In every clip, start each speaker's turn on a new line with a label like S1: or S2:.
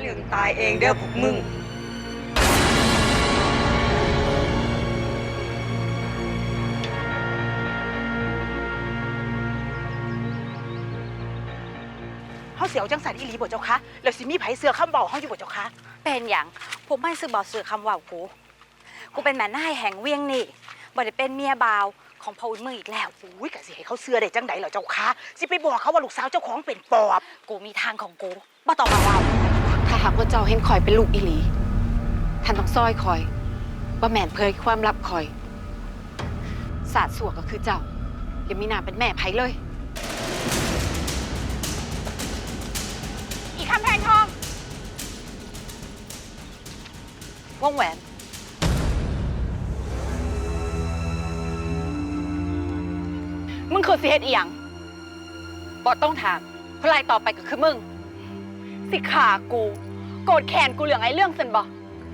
S1: ถึงตายเองเด้อพวกมึง
S2: เฮาเสียวจังสันอีหลีบ่เจ้าคะแล้วสิมีไผเสือคำเบาเฮาอยู่บ่เจ้าคะ
S3: เป็นอย่างผมไม่ซื้อบ่ซื้อคำว่ากูเป็นแม่นายแห่งเวียงนี่บ่ได้เป็นเมียบ่าวของพ่ออุ่นมึงอีกแล้ว
S2: อุ้ยกะสิให้เขาเสือได้จังไดเหรอเจ้าคะสิไปบอกเขาว่าลูกสาวเจ้าของเป็นปอบ
S3: กูมีทางของกูบ่ต้องมาเว้า
S4: ถ้าหากว่าเจ้าเห็นคอยเป็นลูกอีหลีท่านต้องซอยคอยว่าแม่นเผยความลับคอยศาสตร์สัวก็คือเจ้าอย่ามีหน้าเป็นแม่ไผเลย
S3: อีกคำแพงทองวงแหวนมึงคือสิเฮ็ดอีหยังบ่ต้องถามเพราะไล่ต่อไปก็คือมึงสิขากูโกรธแค้นกูเรื่องไอ้เรื่องซั่นบ่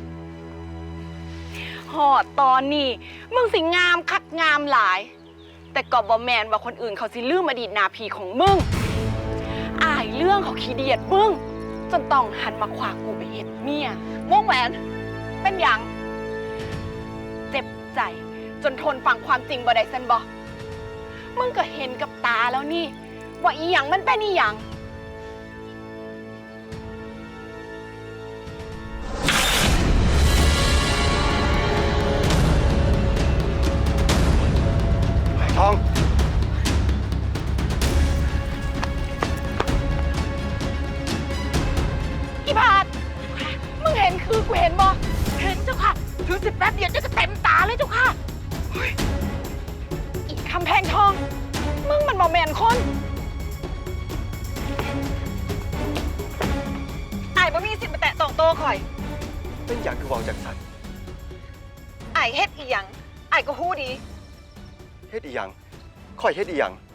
S3: ฮอดตอนนี้มึงสิงามคักงามหลายแต่ก็บ่แม่นว่าคนอื่นเขาสิลืมอดีตนาพีของมึงอายเรื่องเขาขี้เดียดมึงจนต้องหันมาขวางกูไปเฮ็ดเมียวงแหวนเป็นหยังเจ็บใจจนทนฟังความจริงบ่ได้ซั่นบ่มึงก็เห็นกับตาแล้วนี่ว่าอีหยังมันเป็นอีหยัง
S5: ทอง
S2: อีบาทมึงเห็นคือกูเห็นบ่เห็นเจ้าค่ะถือสิแป๊บเดียวจะเต็มตาเลยเจ้าค่ะ
S3: อีคำแพงทองมึงมันบ่แม่นคนไอ้บ่มีสิทธิ์มาแตะต้องโตข่อย
S5: เป็นอย่างคือเวาจากสัน
S3: ไอ้เฮ็ดอีหยังไอ้ก็ฮู้ดี
S5: เฮ็ดอีหยังค่อยเฮ็ดอีหยัง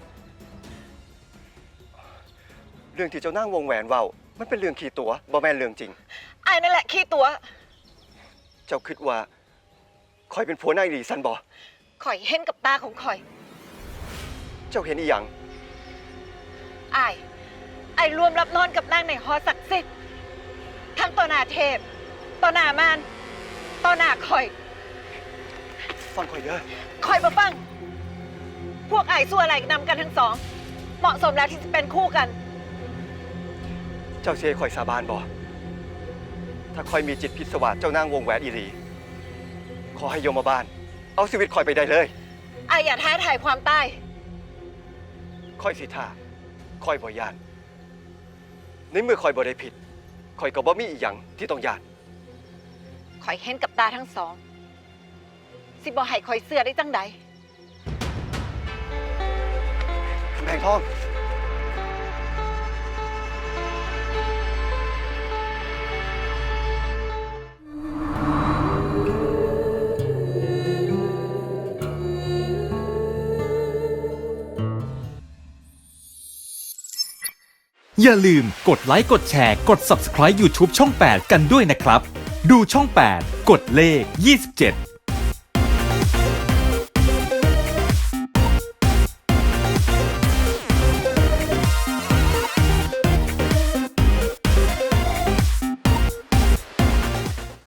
S5: เรื่องที่เจ้านั่งวงแหวนเว้ามันเป็นเรื่องขี้ตัวบ่แม่นเรื่องจริง
S3: ไอ้นั่นแหละขี้ตัว
S5: เจ้าคิดว่าค่อยเป็นผัวนายหลีสันบ่
S3: ข่อยเห็นกับตาของข่อย
S5: เจ้าเห็นอีหยัง
S3: ไอ้รวมรับนอนกับนางในหอศักดิ์สิทธิ์ทั้งต่อหน้าเทพต่อหน้ามารต่อหน้าข่อย
S5: ฟังค่อยเด้อ
S3: ข่อยบ่ฟังพวกไอ้สู้อะไรนำกันทั้งสองเหมาะสมแล้วที่จะเป็นคู่กัน
S5: เจ้าเสียค่อยสาบานบ่ถ้าค่อยมีจิตพิศวาสเจ้านางวงแหวนอีหลีขอให้โยมบาลเอาชีวิตค่อยไปได้เลย
S3: ไอ้อย่าท้าทายความตาย
S5: ค่อยสิท่าค่อยบ่ย่านในเมื่อค่อยบ่ได้ผิดค่อยก็บ่มีอีหยังที่ต้องย่าน
S3: ข่อยเห็นกับตาทั้งสองสิบ่ให้ข่อยเสื้อได้จังใด
S5: คำแพงทอง
S6: อย่าลืมกดไลค์กดแชร์กด Subscribe YouTube ช่อง 8 กันด้วยนะครับ ดูช่อง 8 กดเลข 27